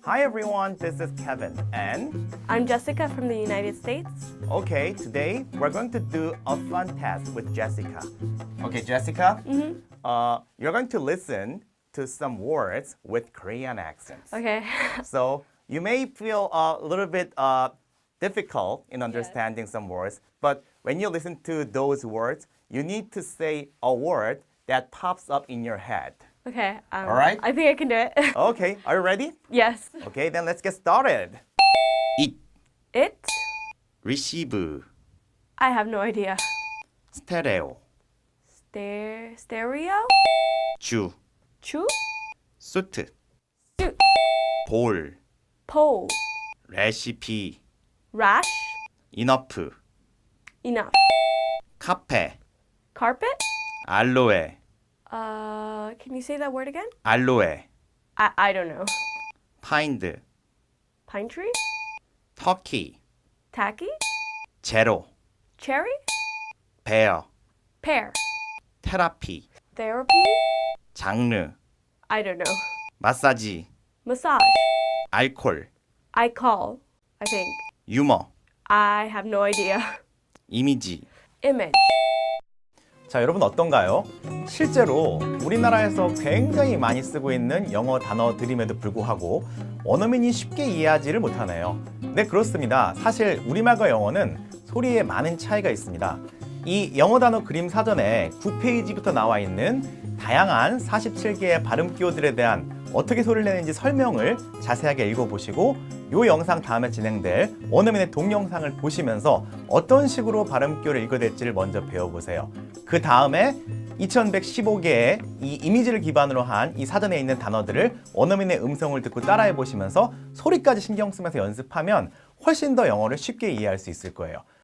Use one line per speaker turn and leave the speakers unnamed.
Hi everyone, this is Kevin and
I'm Jessica from the United States.
okay, today we're going to do a fun test with Jessica. Okay, Jessica, you're going to listen to some words with Korean accents.
Okay.
So you may feel a little bit difficult in understanding some words, but when you listen to those words, you need to say a word that pops up in your head.
Okay.
All right.
I think I can do it.
Okay, are you ready?
Yes.
Okay, then let's get started.
잇,
It?
리시브,
I have no idea.
스테레오,
Stereo?
주,
Chu?
수트,
Suit.
볼,
Pole.
레시피,
Rash?
이너프,
Enough.
카페,
Carpet?
알로에,
Can you say that word again?
알로에,
I don't know.
파인드,
Pine tree?
터키,
Tacky?
제로,
Cherry?
베어,
Pear?
테라피,
Therapy?
장르,
I don't know.
마사지,
Massage?
알콜,
I call. I think.
유머,
I have no idea.
이미지.
Image?
자, 여러분 어떤가요? 실제로 우리나라에서 굉장히 많이 쓰고 있는 영어 단어들임에도 불구하고 원어민이 쉽게 이해하지를 못하네요. 네, 그렇습니다. 사실 우리말과 영어는 소리에 많은 차이가 있습니다. 이 영어 단어 그림 사전에 9페이지부터 나와 있는 다양한 47개의 발음 기호들에 대한 어떻게 소리를 내는지 설명을 자세하게 읽어보시고 이 영상 다음에 진행될 원어민의 동영상을 보시면서 어떤 식으로 발음 기호를 읽어야 될지를 먼저 배워보세요. 그 다음에 2115개의 이 이미지를 기반으로 한 이 사전에 있는 단어들을 원어민의 음성을 듣고 따라해 보시면서 소리까지 신경 쓰면서 연습하면 훨씬 더 영어를 쉽게 이해할 수 있을 거예요.